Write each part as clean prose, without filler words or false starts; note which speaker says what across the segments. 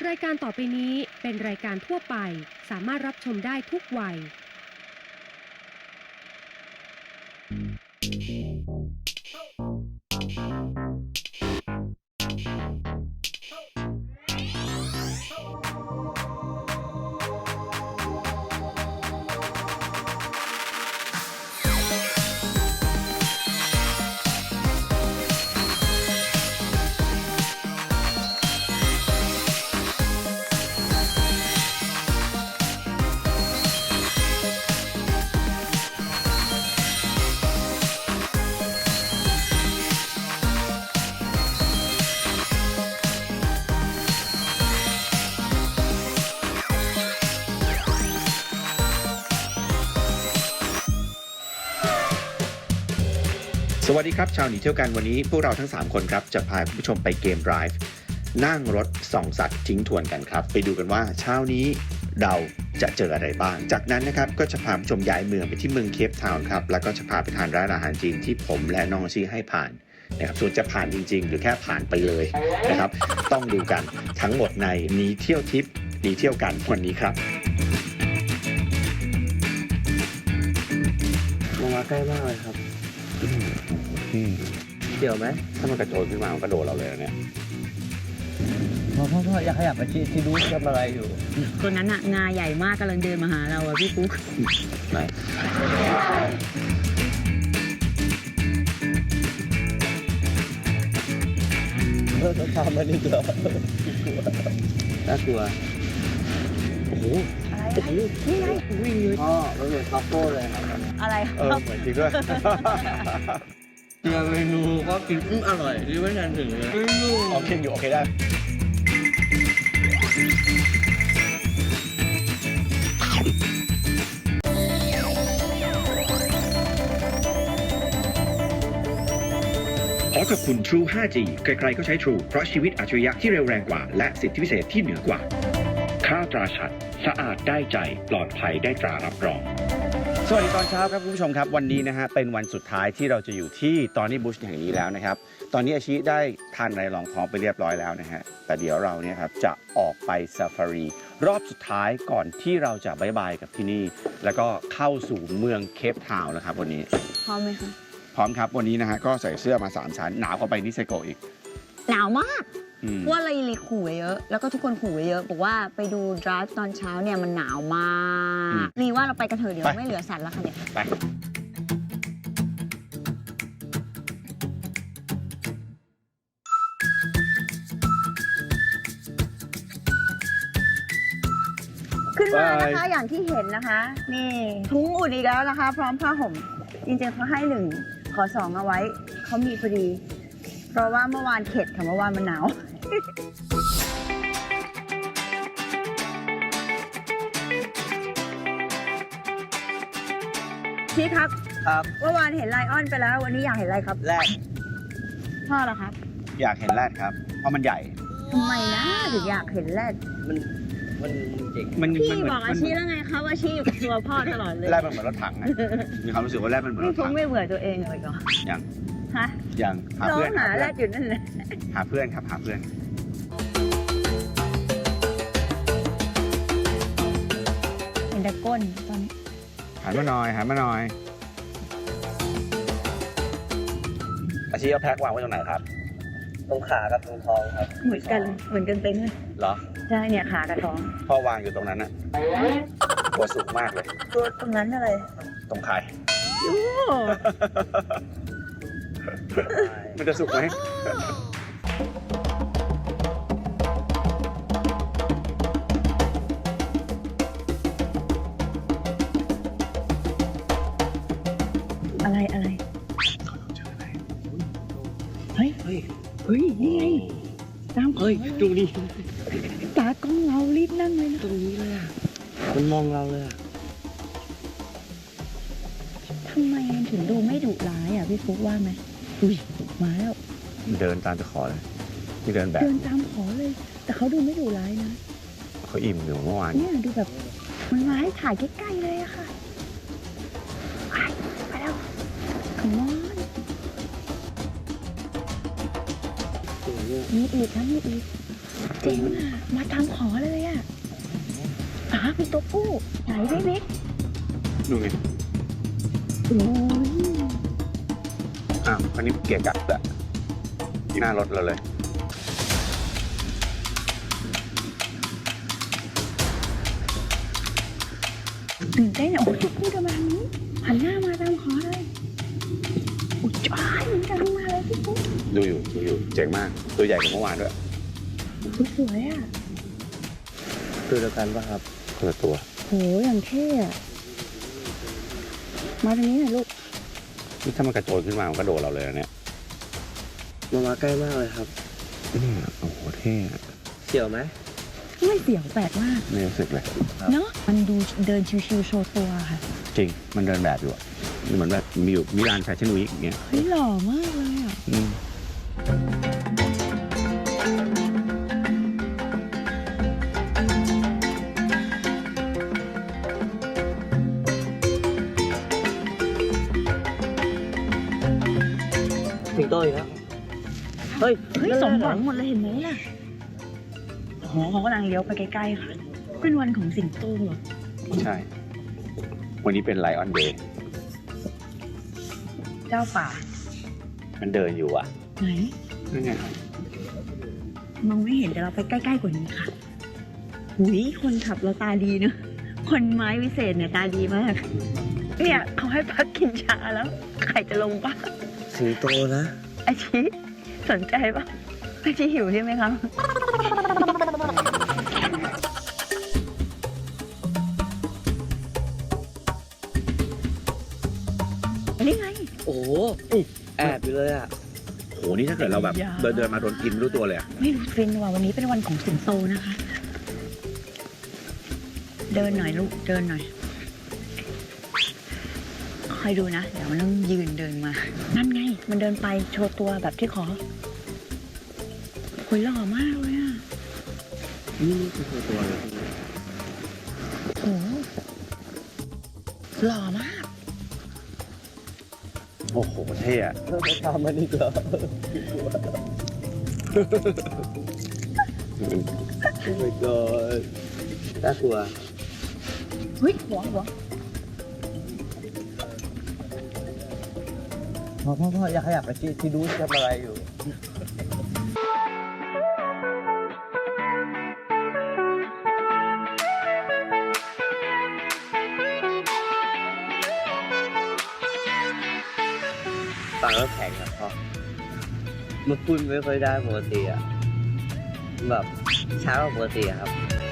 Speaker 1: รายการต่อไปนี้เป็นรายการทั่วไปสามารถรับชมได้ทุกวัย
Speaker 2: สวัสดีครับชาวหนีเที่ยวกันวันนี้พวกเราทั้ง3คนครับจะพาคุณผู้ชมไปเกม Drive นั่งรถส่องสัตว์ทิ้งทวนกันครับไปดูกันว่าเช้านี้เราจะเจออะไรบ้างจากนั้นนะครับก็จะพาผู้ชมย้ายเมืองไปที่เมืองเคปทาวน์ครับแล้วก็จะพาไปทานร้านอาหารจีนที่ผมและน้องชี้ให้ผ่านนะครับส่วนจะผ่านจริงๆหรือแค่ผ่านไปเลยนะครับต้องดูกันทั้งหมดในหนีเที่ยวทิปหนีเที่ยวกันวันนี้ครับ
Speaker 3: มาใกล้มากเลยครับเกี่ยวไหม
Speaker 2: ถ้ามันกระโจนขึ้นมามันกระโดดเราเลยเนี่ย
Speaker 3: พ่ออยากขยับไปที่รู้ทำอะไรอยู่
Speaker 4: ตัวนั้นอะงาใหญ่มากกำลังเดินมาหาเราอะพี่ปุ๊ก
Speaker 2: ไหน
Speaker 3: ต้องทำมันอีกเหรอน่ากลัวโอ้โห
Speaker 4: อะไรนี่ไงวิ่งเลย
Speaker 3: พ่อมันเหมือนคาโฟ่เลยครับ
Speaker 4: อะไร
Speaker 2: เหมือนจริงด้วย
Speaker 3: เจอเมนูก็กินอร่อยที่ไม่ทันถึงเลย
Speaker 2: โอเคอยู่โอเคได้ขอขอบคุณ True 5G ใครๆก็ใช้ True เพราะชีวิตอัจฉริยะที่เร็วแรงกว่าและสิทธิพิเศษที่เหนือกว่าข้าวตราฉัตรสะอาดได้ใจปลอดภัยได้ตรารับรองสวัสดีตอนเช้าครับคุณผู้ชมครับวันนี้นะฮะเป็นวันสุดท้ายที่เราจะอยู่ที่ตอนนี้บุชแห่งนี้แล้วนะครับตอนนี้อาชิได้ทานอะไรรองท้องไปเรียบร้อยแล้วนะฮะแต่เดี๋ยวเราเนี่ยครับจะออกไปซาฟารีรอบสุดท้ายก่อนที่เราจะบายบายกับที่นี่แล้วก็เข้าสู่เมืองเคปทาวน์นะครับวันนี้
Speaker 4: พร้อมไหมคะ
Speaker 2: พร้อมครับวันนี้นะฮะก็ใส่เสื้อมา3ชั้นหนาวกว่าไปนิเซโกอีก
Speaker 4: หนาวมากว่าอะไรเลยขู่เยอะแล้วก็ทุกคนขู่เยอะบอกว่าไปดู drive ตอนเช้าเนี่ยมันหนาวมากนี่ว่าเราไปกันเถอะเดี๋ยวไม่เหลือสัตว์แล้วค่ะเนี่ย
Speaker 2: ไป
Speaker 4: ขึ้นมานะคะอย่างที่เห็นนะคะนี่ถุงอุ่นอีกแล้วนะคะพร้อมผ้าห่มจริงๆเขาให้1ขอ2เอาไว้เขามีพอดีเพราะว่าเมื่อวานเข็ดค่ะเมื่อวานมันหนาวพี่ครับเมื่อวานเห็นไลออนไปแล้ววันนี้อยากเห็นอะไรครับ
Speaker 3: แรด
Speaker 4: พ่อเหรอครับ
Speaker 2: อยากเห็นแรดครับเพราะมันใหญ่
Speaker 4: ทำไมนะถึงอยากเห็นแรด
Speaker 3: มันเจ๋ง
Speaker 4: พี่บอกอาชีแล้วไงครับอาชีอยู่กับตัวพ่อตลอดเลย
Speaker 2: แรดมันเหมือนรถถังไงมีความรู้สึกว่าแรดมันเหมือนรถถัง
Speaker 4: ไม่เบื่อตัวเองเลยเหรอ
Speaker 2: ยัง
Speaker 4: ฮะ
Speaker 2: ยังหาเพื่อน
Speaker 4: หาแรดอยู่นั่นแหละ
Speaker 2: หาเพื่อนครับหาเพื่อน
Speaker 4: เห็นแต่ก้นตอนนี้
Speaker 2: หันมาหน่อยอาชีพเอาแพ็ควางไว้ตรงไหนครับ
Speaker 3: ตรงขากับตรงท้องครับ
Speaker 4: เหมือนกันเต็งเลย
Speaker 2: เหรอ
Speaker 4: ใช่เนี่ยขากับท้อง
Speaker 2: พ่อวางอยู่ตรงนั้นน่ะตัวสูงมากเลย
Speaker 4: ตัวตรงนั้นอะไร
Speaker 2: ตรงไข่มันจะสุกไหม
Speaker 4: อะไรเฮ้ยนี่ไงตาม
Speaker 3: ดูนี่
Speaker 4: ตากล้องเรารีบนั่งเลยนะ
Speaker 3: ตรงนี้เลยอ่ะมันมองเราเลยอ่ะ
Speaker 4: ทำไมมันถึงดูไม่ดุร้ายอ่ะพี่ฟุ๊กว่าไหมอุ้ยมาแล้ว
Speaker 2: เดินตามจะขอเลยที่เดิน
Speaker 4: ตามขอเลยแต่เขาดูไม่ดุร้ายนะ
Speaker 2: เขาอิ่มอยู่เมื่อวาน
Speaker 4: เนี่ยดูแบบมันมาให้ถ่ายใกล้ๆเลยอะค่ะไปแล้วขมอน
Speaker 3: เนี่ย
Speaker 4: มีอีกนะมีอีกเจ๋งอ่ะมาตามขอเลยอ่ะมีตัวผู้ไหนพี่บิ๊ก
Speaker 2: ดูไง
Speaker 4: โอ้ย
Speaker 2: อันนี้เกียร์กัดอะหน้ารถเราเลย
Speaker 4: ตื่นเต้นอ่ะโอ้ยตัวผู้จะมานี้หันหน้ามาตามขอเลยอุ้ยจ้ายมันกำลังมาเลยพี่ปุ๊ก
Speaker 2: ดูอยู่เจ๋งมาก ตัวใหญ่กว่าเมื่อวานด้วย
Speaker 4: สวยอ่ะ
Speaker 3: ตัวเดียวกันป่ะครับ
Speaker 2: คนละตัว
Speaker 4: โหอย่างเท่อะมาตรงนี้หน่อยลูก
Speaker 2: นี่ถ้ามันกระโจนขึ้นมามันก็โดนเราเลยนะเนี่ย
Speaker 3: มาใกล้มากเลยครับ
Speaker 2: โอ้โหเท่อะ
Speaker 3: เสี่ยวไหม
Speaker 4: ไม่เสียวแปลกมาก
Speaker 2: ไม่รู้สึกเลย
Speaker 4: เนาะมันดูเดินชิวๆโชว์ตัวค่ะ
Speaker 2: จริง มันเดินแบบอยู่อะเหมือนแบบมีอยู่มิลานแฟชั่นวีคอย่างเงี้ย
Speaker 4: เฮ้ยหล่อมากเลยอ่ะ
Speaker 2: อืม
Speaker 3: สิงโตอีกแล้วเฮ้ย
Speaker 4: เฮ้ยสมหวังหมดเลยเห็นไหมล่ะโหเขากำลังเลี้ยวไปใกล้ๆค่ะ เป็นวันของสิงโตเหรอ
Speaker 2: ใช่ วันนี้เป็นไลออนเดย์
Speaker 4: เจ้าป่า
Speaker 2: มันเดินอยู่อะ
Speaker 4: ไหน
Speaker 2: นั่นไง
Speaker 4: มองไม่เห็นแต่เราไปใกล้ๆกว่านี้ค่ะหุยคนขับเราตาดีเนอะคนไม้วิเศษเนี่ยตาดีมาก เนี่ยเขาให้พักกินชาแล้ว ใครจะลงปะ
Speaker 3: สิงโตนะ
Speaker 4: อาชีสนใจปะอาชีหิวใช่ไหมคะนี่ไง
Speaker 3: โอ้โหแอบอยู่เลยอ่ะ
Speaker 2: โห นี่ถ้าเกิดเราแบบ
Speaker 4: อย่า
Speaker 2: เดินมาโดนกินไม่รู้ตัวเลยอะ
Speaker 4: ไม่รู้ฟินว่ะวันนี้เป็นวันของสิงโตนะคะ เดินหน่อยลูกเดินหน่อยคอยดูนะ เดี๋ยวมันต้องยืนเดินมา นั่นไง มันเดินไปโชว์ตัวแบบที่ขอคุยหล่อมากเลยอ่ะ
Speaker 3: นี่คือตัวเลย
Speaker 4: โอ้โหหล่อมาก
Speaker 2: โอ้โห เท่อะ
Speaker 3: ตามมันอีกเหรอโอ้ my god น่ากลัว
Speaker 4: เฮ้ยหัว
Speaker 3: พ่ออย่าขยับไปที่ดูทำอะไรอยู่ ปากก็แข็งครับพ่อมันพูดไม่ค่อยได้ปกติอ่ะ แบบช้ากว่าปกติอะครับ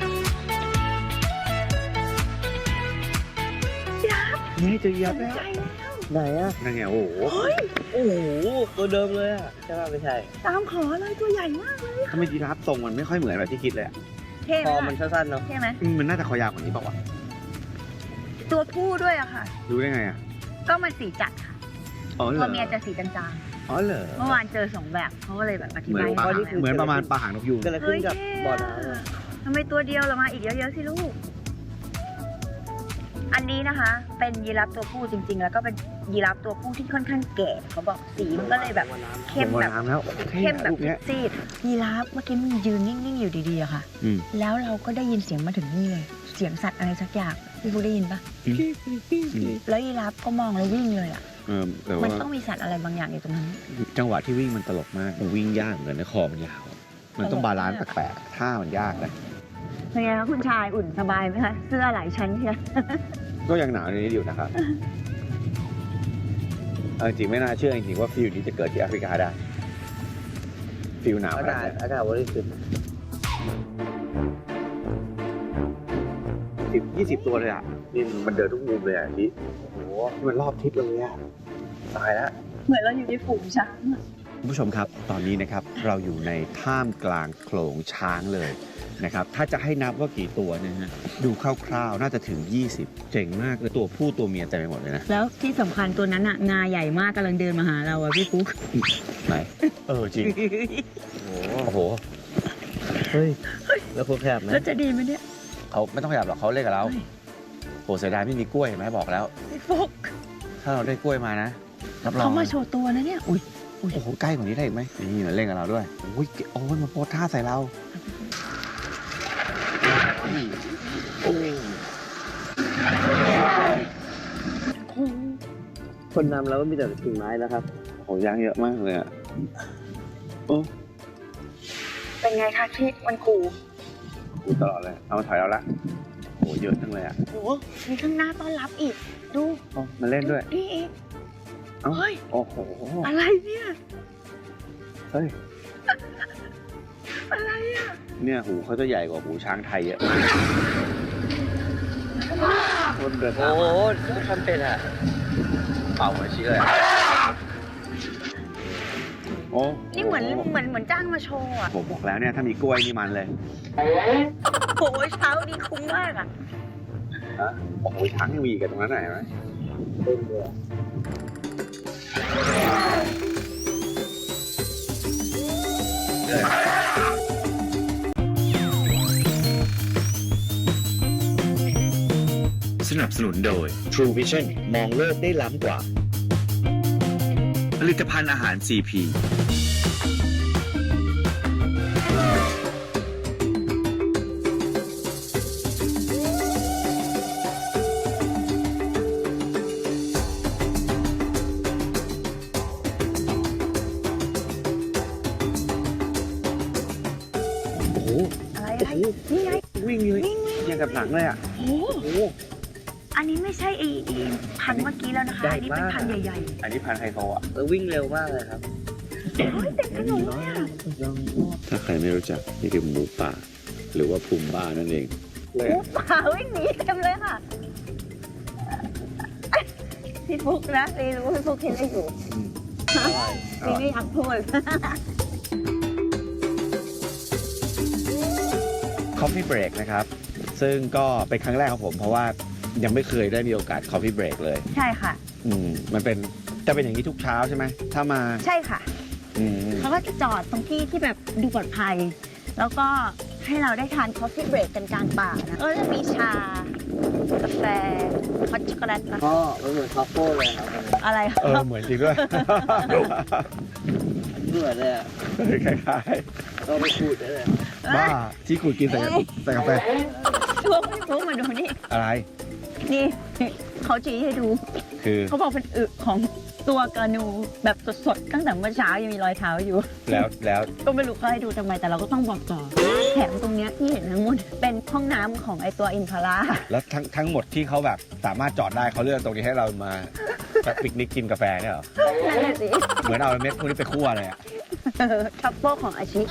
Speaker 2: นี่จะยับแล้ว
Speaker 4: ใจแล้ว
Speaker 3: ไหนอ่ะ
Speaker 2: นั่นไง โอ้โห
Speaker 4: เฮ้ย
Speaker 3: โอ้โห ตัวเดิมเลยอ่ะ ใช่ป่ะไม่ใช่
Speaker 4: ตามขอเลยตัวใหญ่มากเลย
Speaker 2: ถ้าไม่ยีราฟทรงมันไม่ค่อยเหมือนแบบที่คิดเลยอะ
Speaker 4: เท่ไห
Speaker 3: ค
Speaker 4: ม
Speaker 3: อ
Speaker 4: ล่ะ
Speaker 3: มันสั้นๆเนาะ
Speaker 4: เท่ไหม
Speaker 2: มันน่าจะคอยาวกว่านี้เปล่าวะ
Speaker 4: ตัวผู้ด้วยอะค่ะ
Speaker 2: รู้ได้ไงอะ
Speaker 4: ก็มันสีจัดค่ะ
Speaker 2: อ๋อเหร
Speaker 4: ตั
Speaker 2: อ
Speaker 4: วเมียจะสีจาง
Speaker 2: อ๋อเหรอ
Speaker 4: ๆเมื่อวานเจอ2แบบเขาก็เลยแบบอธิ
Speaker 2: เหมือน
Speaker 4: บาย
Speaker 2: ปลา
Speaker 4: ให้ฟัง
Speaker 2: เหมือนประมาณปลาหางนกยูง
Speaker 3: เกิดอะไรขึ้นกับบ่อน้ำอะ
Speaker 4: ทำไมตัวเดียวเรามาอีกเยอะๆสิลูก อันนี้นะคะ เป็นยีราฟตัวผู้จริง ๆ แล้วก็เป็นยีราฟตัวผู้ที่ค่อนข้างแก่เขาบอกสีมันก็เลยแบบเข้ม
Speaker 2: บ่อ
Speaker 4: แบบ
Speaker 2: น้ำแล้ว
Speaker 4: เข้มแบบ
Speaker 2: รูปเนี้ย
Speaker 4: ซีดยีราฟเมื่อกี้มันยืนนิ่งๆอยู่ดีๆอะค่ะ
Speaker 2: อืม
Speaker 4: แล้วเราก็ได้ยินเสียงมาถึงนี่เลย เสียงสัตว์อะไรสักอย่างพี่ฟูได้ยินปะ
Speaker 2: อืม
Speaker 4: แล้วยีราฟก็มองแล้ววิ่งเลยอะ
Speaker 2: แต่
Speaker 4: มัน
Speaker 2: ว่า
Speaker 4: ต้องมีสัตว์อะไรบางอย่างอยู่ตรงนั้น
Speaker 2: จังหวะที่วิ่งมันตลกมากมันวิ่งยากเหมือนกันนะคอมันยาว มันต้องบาลานซ์แปลกๆท่ามันยากนะ
Speaker 4: เป็นไงคะคุณชายอุ่นสบายไหมคะเสื้อหลายชั้นเชียว
Speaker 2: ก็ยังหนาวในนี้อยู่นะครับเอาจริงไม่น่าเชื่อจริงๆว่าฟิลนี้จะเกิดที่แอฟริกาได้ ฟิลหนาวข
Speaker 3: อา
Speaker 2: นาด
Speaker 3: กาศ
Speaker 2: นี้
Speaker 3: อากาศบริสุทธิ์
Speaker 2: 10-20 ตัวเลยอ่ะนี่มันเดินทุกมุมเลยอ่ะที่โอ้โหมันรอบทิศเลยอ่ะตายแล้ว
Speaker 4: เหมือนเราอยู่ในฝูงช้างอะ
Speaker 2: คุณผู้ชมครับตอนนี้นะครับเราอยู่ในท่ามกลางโขลงช้างเลยนะครับถ้าจะให้นับว่ากี่ตัวนะฮะดูคร่าวๆน่าจะถึง 20 เจ๋งมากเลยตัวผู้ตัวเมียเต็มไปหมดเลยนะ
Speaker 4: แล้วที่สำคัญตัวนั้นอะงาใหญ่มากกำลังเดินมาหาเราอะพี่ฟุ๊ก
Speaker 2: ไหนจริงโอ้โห
Speaker 3: เฮ้ย แล้วคุณแคบไหม
Speaker 4: แล้วจะดีไหมเนี่ย
Speaker 2: เขาไม่ต้องขยับหรอกเขาเล่นกับเรา
Speaker 4: เฮ้ย
Speaker 2: โหเสียดายไม่มีกล้วยเห็นไหมบอกแล้ว
Speaker 4: พี่ฟุ๊ก
Speaker 2: ถ้าเราได้กล้วยมานะรับรอง
Speaker 4: เขามาโชว์ตัวนะเนี่ยอุ้ย
Speaker 5: โอ้โหใกล้กว่านี้ได้อีกไหมนี่มาเล่นกับเราด้วยโอ้ยโอ้ยมาโพสท่าใส่เราโอ้
Speaker 3: คนนำเราก็มีแต่กิ่งไม้นะครับ
Speaker 5: โหยางเยอะมากเลยอ่ะโอ้
Speaker 4: เป็นไงคะคิดมันคู
Speaker 5: กูตลอดเลยเอามาถอยเราละโหเยอะจังเลยอ่ะ
Speaker 4: โอ้มีข้างหน้าต้อนรับอีก ดู
Speaker 5: โอ้มาเล่นด้วย
Speaker 4: นี่อีก
Speaker 5: เอ้า
Speaker 4: เฮ้ย
Speaker 5: โอ้โห
Speaker 4: อะไรเนี่ย
Speaker 5: เฮ้ย
Speaker 4: อะไรอ่ะ
Speaker 5: เนี่ยหูเขาจะใหญ่กว่าหูช้างไทยเยอะคนเดิน
Speaker 3: โอ้
Speaker 5: ทาง
Speaker 3: โห
Speaker 5: มา
Speaker 3: ทำเป็นอ่ะ
Speaker 5: เป่าหัวชี้เลยโอ้
Speaker 4: นี่เหมือนจ้างมาโชว์อ่ะ
Speaker 5: ผมบอกแล้วเนี่ยถ้ามีกล้วยนี่มันเลย
Speaker 4: โอ้ยเช้านี้คุ้มมากอ่ะ
Speaker 5: ฮะโอ้โหช้างยังมีกันตรงนั้นไหนไหม
Speaker 2: สนับสนุนโดย True Vision มองโลกได้ล้ำกว่า ผลิตภัณฑ์อาหาร CP
Speaker 5: โอ้โห
Speaker 4: อะไรนี่ไง
Speaker 5: วิ่งเลยยังกับหนังเลยอ่ะ
Speaker 4: โอ้
Speaker 5: โอ้โห
Speaker 4: อันนี้ไม่ใช่ไอ้พันธุ์เมื่อกี้แล้วนะคะ
Speaker 3: ใหญ่
Speaker 4: อันนี้เป็น
Speaker 3: มาก
Speaker 4: พันธุ์ใหญ่
Speaker 5: อันนี้พันธุ์ไฮโซอ่ะ
Speaker 3: แล้ววิ่งเร็วมากเลยครับ
Speaker 4: ๆเฮ้ยเต็มถนนเลยอ่ะ
Speaker 5: ถ้าใครไม่รู้จักนี่คือหมูป่า หรือว่าพุมบ้านั่นเอง
Speaker 4: หมูป่าวิ่งหนีเต็มเลยค่ะ พี่ฟุกนะรีรู้ว่าพี่ฟุกเห็นอะไรอยู่รีไม่อยากพูด
Speaker 5: Coffee Break นะครับ ซึ่งก็เป็นครั้งแรกของผมเพราะว่ายังไม่เคยได้มีโอกาส Coffee Break เลย
Speaker 4: ใช่ค่ะ
Speaker 5: มันเป็นจะเป็นอย่างนี้ทุกเช้าใช่ไหมถ้ามา
Speaker 4: ใช่ค่ะ
Speaker 5: อืม
Speaker 4: เขาก็จะจอดตรงที่ที่แบบดูปลอดภัย แล้วก็ให้เราได้ทาน Coffee Break กันกลางป่านะก็จะมีชากาแฟฮอตช็อกโกแลตนะ
Speaker 3: พ่อมันเหมือนคาโฟ่เลยครับ
Speaker 4: อะไร
Speaker 5: เหมือนจริงด้วย
Speaker 3: เหมือนเลยอ่ะ
Speaker 5: คล้าย
Speaker 3: ก็ไปขูดได้เลย
Speaker 5: ๆบ้าที่ขูดกินใส่กาแฟ
Speaker 4: ช่วงพี่ฟุกมาดูนี่
Speaker 5: อะไร
Speaker 4: นี่เขาชี้ให้ดู
Speaker 5: คือ
Speaker 4: เขาบอกเป็นอึของตัวกานูแบบสดๆตั้งแต่เมื่อเช้ายังมีรอยเท้าอยู่
Speaker 5: แล้ว
Speaker 4: ก็ไม่รู้เขาให้ดูทำไมแต่เราก็ต้องบอกต่อแถมตรงเนี้ยที่เห็นทั้งหมดเป็นห้องน้ำของไอตัวอินพารา
Speaker 5: แล้วทั้งหมดที่เขาแบบสามารถจอดได้เขาเลือกตรงนี้ให้เรามาแบบปิกนิกกินกาแฟเนี่ยเหรอ
Speaker 4: นั่นแหละสิ
Speaker 5: เหมือนเอาเม็ดพวกนี้ไปคั่วเลยอ่ะ
Speaker 4: ทัฟเฟิลของอาชิ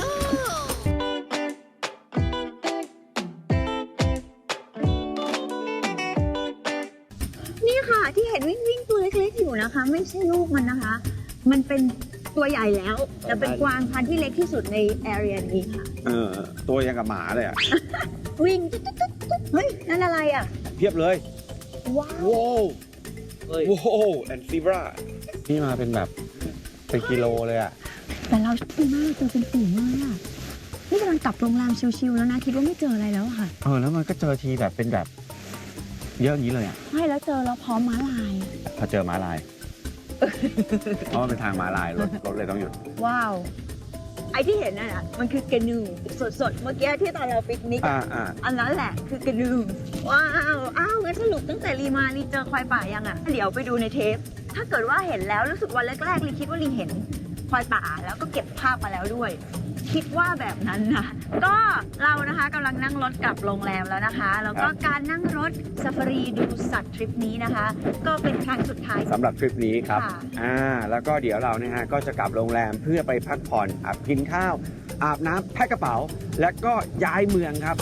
Speaker 4: นี่ค่ะที่เห็นวิ่งตัวเล็กๆอยู่นะคะ ไม่ใช่ลูกมันนะคะ มันเป็นตัวใหญ่แล้วแต่เป็นกวางพันธุ์ที่เล็กที่สุดในแอเรียนี้ค่ะ
Speaker 5: ตัวยังกับหมาเลยอ่ะ
Speaker 4: วิ่งตุ๊ดๆๆเฮ้ยนั่นอะไรอ่ะ
Speaker 5: เพียบเลย
Speaker 4: ว้าว
Speaker 5: ว้าว
Speaker 3: เฮ้ย
Speaker 5: ว้าวแอนซิบรานี่มาเป็นแบบเป็นกิโลเลยอ่ะ
Speaker 4: แต่เราชอบมากเจอเป็นฝูงเลยอ่ะนี่กำลังกลับโรงแรมชิลๆแล้วนะคิดว่าไม่เจออะไรแล้วอะค่ะ
Speaker 5: แล้วมันก็เจอทีแบบเป็นแบบเยอะอย่างนี้เลยอ่ะ
Speaker 4: ใช่แล้วเจอแล้วพร้อมม้าลาย
Speaker 5: พอเจอม้าลาย เพราะมันเป็นทางม้าลายรถเลยต้องหยุด
Speaker 4: ว้าว ไอที่เห็นน่ะมันคือกระนูสดๆเมื่อกี้ที่ตอนเราปิกนิกอะ อันนั้นแหละคือกระนูว้าวอ้าวงั้นสรุปตั้งแต่รีมารีเจอควายป่ายังอ่ะเดี๋ยวไปดูในเทป ถ้าเกิดว่าเห็นแล้วรู้สึกวันแรกๆรีคิดว่ารีเห็นควายป่าแล้วก็เก็บภาพมาแล้วด้วย คิดว่าแบบนั้นนะก็เรานะคะกำลังนั่งรถกลับโรงแรมแล้วนะคะ แล้วก็การนั่งรถซาฟารีดูสัตว์ทริปนี้นะคะ ก็เป็นครั้งสุดท้าย
Speaker 5: สำหรับทริปนี้ครับ
Speaker 4: ค่ะ
Speaker 5: แล้วก็เดี๋ยวเราเนี่ยฮะก็จะกลับโรงแรมเพื่อไปพักผ่อนกินข้าว อาบน้ำแพ็คกระเป๋า แล้วก็ย้ายเมืองครับ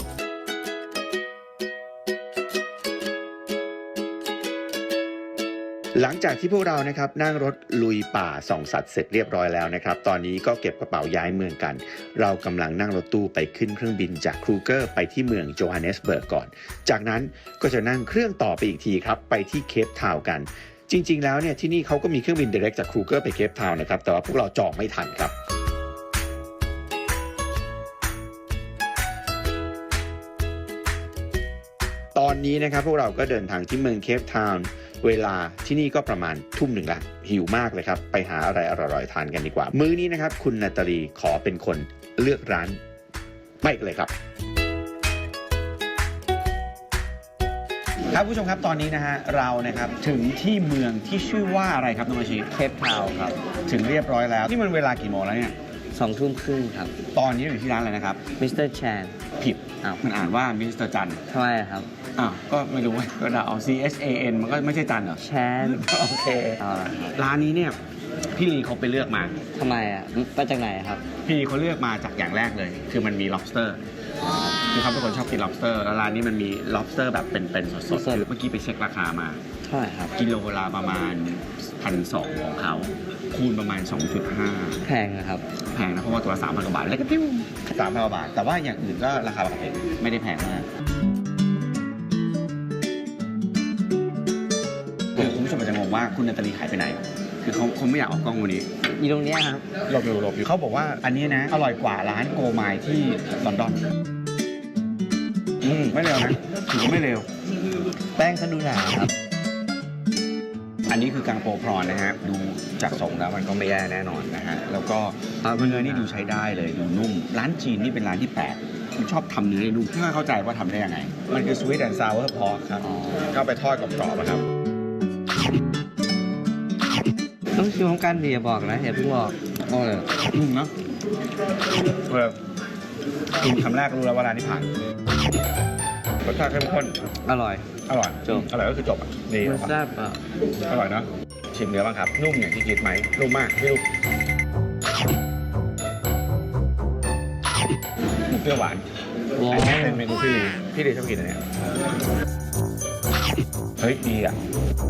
Speaker 2: หลังจากที่พวกเรานะครับนั่งรถลุยป่าส่องสัตว์เสร็จเรียบร้อยแล้วนะครับตอนนี้ก็เก็บกระเป๋าย้ายเมืองกัน เรากำลังนั่งรถตู้ไปขึ้นเครื่องบินจากครูเกอร์ไปที่เมืองโจฮันเนสเบิร์กก่อนจากนั้นก็จะนั่งเครื่องต่อไปอีกทีครับไปที่เคปทาวน์กันจริงๆแล้วเนี่ยที่นี่เขาก็มีเครื่องบิน direct จากครูเกอร์ไปเคปทาวน์นะครับแต่ว่าพวกเราจองไม่ทันครับตอนนี้นะครับพวกเราก็เดินทางที่เมืองเคปทาวน์เวลาที่นี่ก็ประมาณทุ่มหนึ่งละหิวมากเลยครับไปหาอะไรอร่อยๆทานกันดีกว่ามื้อนี้นะครับคุณนาตาลีขอเป็นคนเลือกร้านไปกันเลยครับครับผู้ชมครับตอนนี้นะฮะเรานะครับถึงที่เมืองที่ชื่อว่าอะไรครับน้องอาชี
Speaker 3: เคปทาวน์ครับ
Speaker 2: ถึงเรียบร้อยแล้วนี่มันเวลากี่โมงแล้วเนี่ย
Speaker 3: 2 ทุ่มครึ่งครับ
Speaker 2: ตอนนี้อยู่ที่ร้านอะไรนะครับ
Speaker 3: มิสเตอร์แชน
Speaker 2: ผิด
Speaker 3: อ้าว
Speaker 2: มันอ่านว่ามิสเตอร์จัน
Speaker 3: ทำไมครับ
Speaker 2: อ้าวก็ไม่รู้ว่าก็ด่าเอา CHAN มันก็ไม่ใช่จันเหรอ
Speaker 3: แชน
Speaker 2: โอเค
Speaker 3: เอาละครับ
Speaker 2: ร้านนี้เนี่ยพี่ลีเขาไปเลือกมา
Speaker 3: ทำไมอ่ะมาจากไหนครับ
Speaker 2: พี่ลีเขาเลือกมาจากอย่างแรกเลย คือมันมี lobster คือเขาเป็นคนชอบกิน lobster แล้วร้านนี้มันมี lobster แบบเป็นๆสดๆคือเมื่อกี้ไปเช็คราคามา
Speaker 3: เท่าไหร่ครับ
Speaker 2: กิโลละประมาณ 1,200 ของเขาคูณประมาณ 2.5
Speaker 3: แพงนะครับ
Speaker 2: แพงนะเพราะว่าตัวละ3,000 กว่าบาทแล้วก็ปิ้ว3,000 กว่าบาท แต่ว่าอย่างอื่นก็ราคาปกติไม่ได้แพงมากคือคุณผู้ชมอาจจะงงว่าคุณนาตาลีหายไปไหน คือเขาไม่อยากออกกล้องวันนี้
Speaker 3: อยู่ตรงเนี้ยครับ
Speaker 2: หลบอยู่เขาบอกว่าอันนี้นะอร่อยกว่าร้านโกไมล์ที่ลอนดอนไม่เร็วนะถือว่าไม่เร็ว
Speaker 3: แป้งเขาดูหนาครับ
Speaker 2: อันนี้คือกังโปพรอนนะฮะดูจากทรงแล้วมันก็ไม่แย่แน่นอนนะฮะแล้วก็เนื้อนี่ดูใช้ได้เลยดูนุ่มร้านจีนนี่เป็นร้านที่แปลกมันชอบทำเนื้อให้นุ่มไม่เข้าใจว่าทำได้ยังไงมันคือ sweet and sour pork ครับ
Speaker 3: อ๋อ
Speaker 2: ก็ไปทอดกรอบๆอะครับ
Speaker 3: ต้องชิมของกันดีอย่าบอกนะอย่าเพิ่งบอกโอ้เลย
Speaker 2: เนาะกินคำแรกก็รู้แล้วว่าร้านนี้ผ่านรสชาติเข้มข้น
Speaker 3: อร่อย
Speaker 2: อร่อย
Speaker 3: จบ
Speaker 2: อร่อยก็คือจบอ่ะดี
Speaker 3: มันแซ่บอ่ะ
Speaker 2: อร่อยเนาะชิมเนื้อบ้างครับนุ่มอย่างที่คิดไหมนุ่มมากพี่ลูกหมูเปรี้ยวหวาน
Speaker 3: ว้า
Speaker 2: อันนี้
Speaker 3: ว
Speaker 2: เป็นเมนูพี่ลีชอบกินอันเนี้ยเฮ้ยดีอ่ะ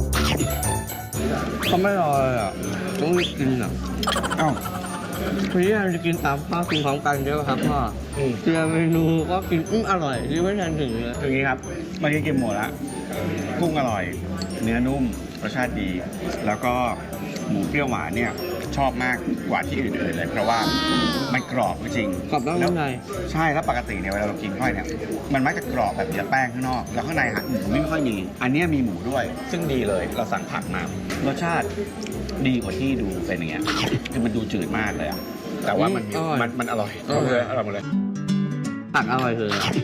Speaker 3: เขาไม่รอเลยอ่ะต้องรีบกินอ่ะ
Speaker 2: เอ้า
Speaker 3: พี่ยามจะกินตามพ่อกินพร้อมกันใช่ไหมครับพ่อเจอเมนูก็กินอร่อยที่ไม่ทันถึงเลย
Speaker 2: อย่างนี้ครับเมื่อกี้กินหมดละกุ้งอร่อย เนื้อนุ่มรสชาติดี แล้วก็หมูเปรี้ยวหวานเนี่ยชอบมากกว่าที่อื่นๆเลยเพราะว่ามันกรอบจริง
Speaker 3: กรอบนอกนุ่มใน
Speaker 2: ใช่แล้วปกติเนี่ยเวลาเรากินข้าวเนี่ยมันมักจะกรอบแบบเนื้อแป้งข้างนอกแล้วข้างในหมูไม่ค่อยมีอันเนี้ยมีหมูด้วย ซึ่งดีเลยเราสั่งผักมารสชาติดีกว่าที่ดูเป็นอย่างเงี้ยคือมันดูจืดมากเลยอะแต่ว่ามันอร่อยหมดเลยอร่อยหมดเลย
Speaker 3: ผักอร่อยเลยอ่ะ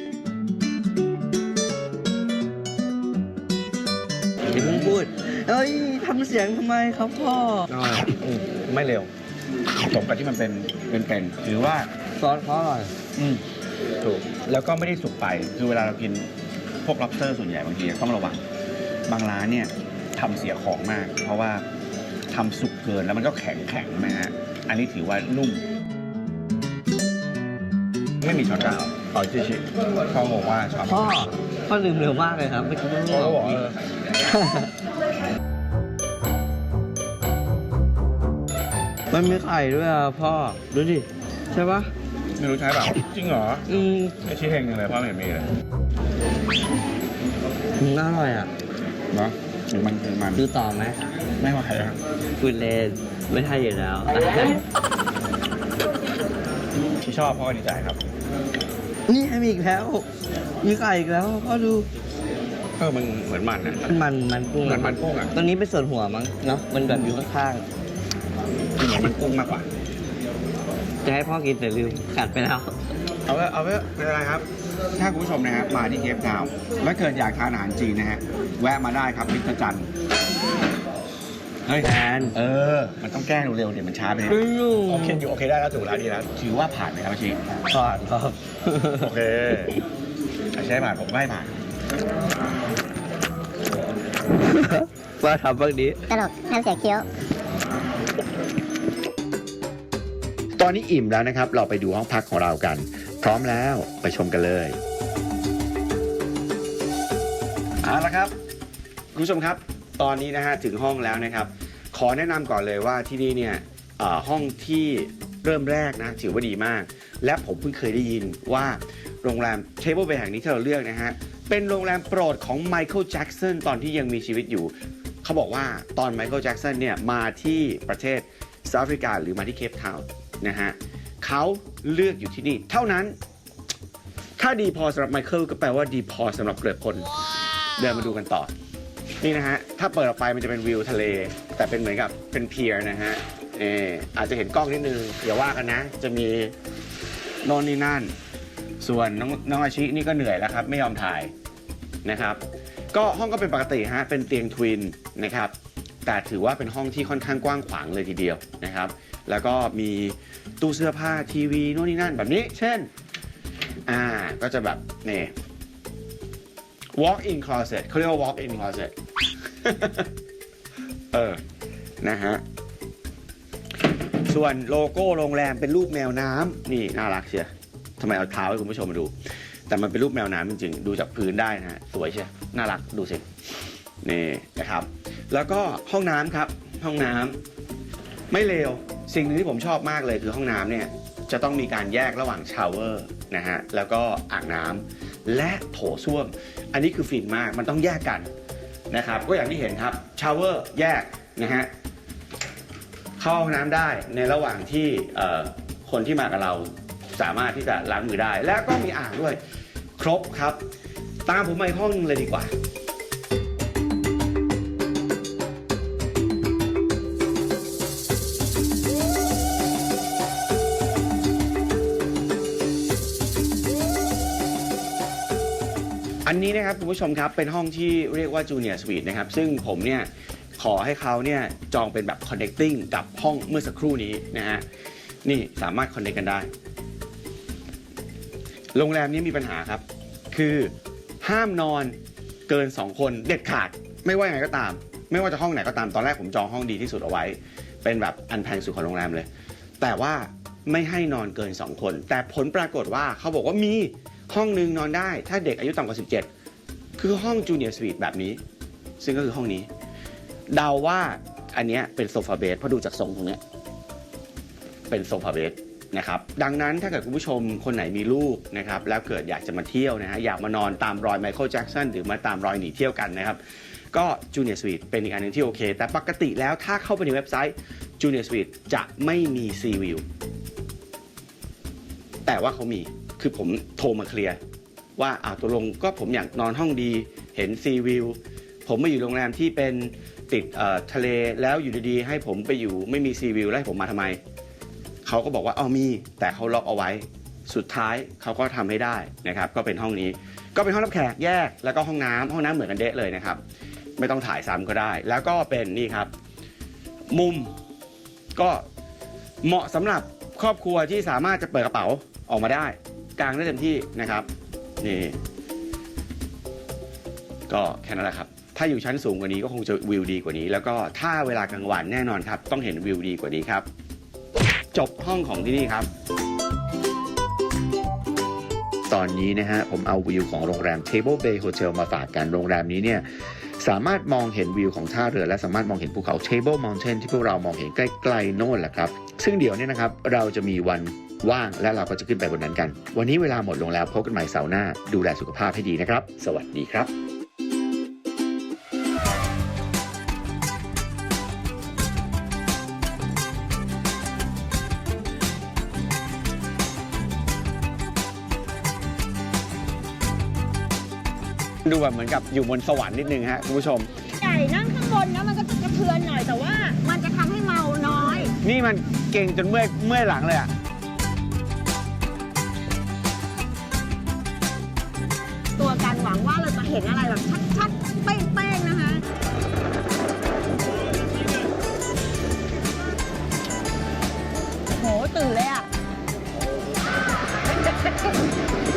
Speaker 3: อย่าเพิ่งพูดเอ้ยทำเสียงทำไมครับพ่อ
Speaker 2: อร่อยไม่เร็วสมกับที่มันเป็นหรือว่า
Speaker 3: ซอสเขาอร่อย
Speaker 2: ถูกแล้วก็ไม่ได้สุกไปคือเวลาเรากินพวก lobster ส่วนใหญ่บางทีต้องระวังบางร้านเนี่ยทำเสียของมาก เพราะว่าทำสุกเกินแล้วมันก็แข็งนะฮะอันนี้ถือว่านุ่ม ไม่มีช้อนกลางต่อชิเขาบอกว่าช้อน
Speaker 3: พ่อลืมเร็วมากเลยครับไม่คิดว่า
Speaker 2: เขาบอก
Speaker 3: มันมีไข่ด้วยอ่ะพ่อดูดิใช่ปะ
Speaker 2: ไม่รู้ใช่เปล่าจริงเหรอไม่ชี้เฮงเลยพ่อไม่เห็นมีเลย
Speaker 3: น่าอร่อยอ่ะ
Speaker 2: เนาะถึงมัน
Speaker 3: ดูต่อไหม
Speaker 2: ไม่ไหวอะ
Speaker 3: พูดเล่นไม่ใช่อยู่แล้ว
Speaker 2: ที่ชอบพ่อดีใจครับ
Speaker 3: นี่มีอีกแล้วมีไข่อีกแล้วพ่อดู
Speaker 2: มันเหมือนมันนะ
Speaker 3: มันกุ้ง
Speaker 2: เหมือนมันกุ้งอ่ะ
Speaker 3: ตัวนี้เป็นส่วนหัวมั้งเนาะมันแบบอยู่ข้าง
Speaker 2: เหมือนมันกุ้งมากกว่า
Speaker 3: ๆจะให้พ่อกินแต่ลืมกัดไปแล้ว
Speaker 2: เอาไว้ไม่เป็นไรครับ ถ้าคุณผู้ชมนะฮะมาที่เคปทาวน์แล้วเกิดอยากทานอาหารจีนนะฮะแวะมาได้ครับมิสเตอร์จันเฮ้ย
Speaker 3: แทน
Speaker 2: มันต้องแก้เร็วๆเดี๋ยวมันช้าไปนิด
Speaker 3: อยู่
Speaker 2: โอเคอยู่โอเคได้แล้วถูกแล้วดีแล้วถือว่าผ่านไหมครับอาชี
Speaker 3: ก่อนครับ
Speaker 2: โอเคใช่ผ่านผมไม่ผ่าน
Speaker 3: ว่าทำบ้างดี
Speaker 6: ตลกทำเสียงเคี้ยว
Speaker 2: ตอนนี้อิ่มแล้วนะครับ เราไปดูห้องพักของเรากัน พร้อมแล้วไปชมกันเลยเอาละครับคุณผู้ชมครับ ตอนนี้นะฮะถึงห้องแล้วนะครับ ขอแนะนำก่อนเลยว่าที่นี่เนี่ยห้องที่เริ่มแรกนะถือว่าดีมาก และผมเพิ่งเคยได้ยินว่าโรงแรมเทเบิลเบย์แห่งนี้ที่เราเลือกนะฮะเป็นโรงแรมโปรดของไมเคิลแจ็กสันตอนที่ยังมีชีวิตอยู่เขาบอกว่าตอนไมเคิลแจ็กสันเนี่ยมาที่ประเทศเซาท์แอฟริกาหรือมาที่เคปทาวน์นะฮะเขาเลือกอยู่ที่นี่เท่านั้นถ้าดีพอสำหรับไมเคิลก็แปลว่าดีพอสำหรับเกลือพลเดินมาดูกันต่อ
Speaker 5: นี่นะฮะ ถ้าเปิดออกไปมันจะเป็นวิวทะเล แต่เป็นเหมือนกับเป็นเพียร์นะฮะอาจจะเห็นกล้องนิดนึงอย่าว่ากันนะ จะมีโน่นนี่นั่น ส่วนน้องอาชินี่ก็เหนื่อยแล้วครับ ไม่ยอมถ่ายนะครับ ก็ห้องก็เป็นปกติฮะ เป็นเตียงทวินนะครับ แต่ถือว่าเป็นห้องที่ค่อนข้างกว้างขวางเลยทีเดียวนะครับ แล้วก็มีตู้เสื้อผ้าทีวีโน่นนี่นั่นแบบนี้ เช่น ก็จะแบบนี่ walk in closet เขาเรียกว่า walk in closet นะฮะ ส่วนโลโก้โรงแรมเป็นรูปแมวน้ำนี่น่ารักเชียวทำไมเอาเท้าให้คุณผู้ชมมาดู แต่มันเป็นรูปแมวน้ำจริงๆ ดูจากพื้นได้นะฮะ สวยเชียวน่ารักดูสิ นี่นะครับ แล้วก็ห้องน้ำครับ ห้องน้ำไม่เลว สิ่งหนึ่งที่ผมชอบมากเลยคือห้องน้ำเนี่ยจะต้องมีการแยกระหว่างชาวเวอร์นะฮะ แล้วก็อ่างน้ำและโถส้วม อันนี้คือฟินมาก มันต้องแยกกันนะครับ ก็อย่างที่เห็นครับ ชาวเวอร์แยกนะฮะ เข้าห้องน้ำได้ในระหว่างที่คนที่มากับเราสามารถที่จะล้างมือได้ และก็มีอ่างด้วย ครบครับ ตามผมไปห้องนึงเลยดีกว่า อันนี้นะครับคุณผู้ชมครับเป็นห้องที่เรียกว่า Junior Suite นะครับ ซึ่งผมเนี่ยขอให้เขาเนี่ยจองเป็นแบบ connecting กับห้องเมื่อสักครู่นี้นะฮะนี่สามารถ connect กันได้ โรงแรมนี้มีปัญหาครับคือห้ามนอนเกิน2คนเด็ดขาดไม่ว่ายังไงก็ตาม ไม่ว่าจะห้องไหนก็ตามตอนแรกผมจองห้องดีที่สุดเอาไว้เป็นแบบอันแพงสุดของโรงแรมเลยแต่ว่าไม่ให้นอนเกิน2คนแต่ผลปรากฏว่าเขาบอกว่ามีห้องนึงนอนได้ถ้าเด็กอายุต่ำกว่า17คือห้อง Junior Suite แบบนี้ซึ่งก็คือห้องนี้เดาว่าอันนี้เป็นโซฟาเบดเพราะดูจากทรงตรงนี้เป็นโซฟาเบดนะครับดังนั้นถ้าเกิดคุณผู้ชมคนไหนมีลูกนะครับแล้วเกิดอยากจะมาเที่ยวนะฮะอยากมานอนตามรอยไมเคิลแจ็คสันหรือมาตามรอยหนีเที่ยวกันนะครับก็ Junior Suite เป็นอีกอันหนึงที่โอเคแต่ปกติแล้วถ้าเข้าไปในเว็บไซต์ Junior Suite จะไม่มี Sea View แต่ว่าเขามีคือผมโทรมาเคลียร์ว่าตกลงก็ผมอยากนอนห้องดีเห็น Sea View ผมมาอยู่โรงแรมที่เป็นติดทะเลแล้วอยู่ดีๆให้ผมไปอยู่ไม่มี Sea View แล้วให้ผมมาทำไมเขาก็บอกว่ามีแต่เขาล็อกเอาไว้สุดท้ายเขาก็ทำให้ได้นะครับก็เป็นห้องนี้ก็เป็นห้องรับแขกแยกแล้วก็ห้องน้ำเหมือนกันเดะเลยนะครับไม่ต้องถ่ายซ้ำก็ได้แล้วก็เป็นนี่ครับมุมก็เหมาะสำหรับครอบครัวที่สามารถจะเปิดกระเป๋าออกมาได้กางได้เต็มที่นะครับนี่ก็แค่นั้นแหละครับถ้าอยู่ชั้นสูงกว่านี้ก็คงจะวิวดีกว่านี้แล้วก็ถ้าเวลากลางวันแน่นอนครับต้องเห็นวิวดีกว่านี้ครับจบห้องของที่นี่ครับ
Speaker 2: ตอนนี้นะฮะผมเอาวิวของโรงแรม Table Bay Hotel มาฝากกันโรงแรมนี้เนี่ยสามารถมองเห็นวิวของท่าเรือและสามารถมองเห็นภูเขา Table Mountain ที่พวกเรามองเห็นใกล้ๆโน่นแหละครับซึ่งเดี๋ยวนี้นะครับเราจะมีวันว่างและเราก็จะขึ้นไปบนนั้นกันวันนี้เวลาหมดลงแล้วพบกันใหม่เสาร์หน้าดูแลสุขภาพให้ดีนะครับสวัสดีครับ
Speaker 5: ดูแบบเหมือนกับอยู่บนสวรรค์นิดนึงฮะคุณผู้ชม
Speaker 4: ใหญ่นั่งข้างบนนะมันก็จะกระเทือนหน่อยแต่ว่ามันจะทำให้เมาน้อย
Speaker 5: นี่มันเก่งจนเมื่อยหลังเลยอะ
Speaker 4: ตัวการหวังว่าเราจะเห็นอะไรแบบชัดๆเป้งๆนะคะโหตื่นเลยอ่ะ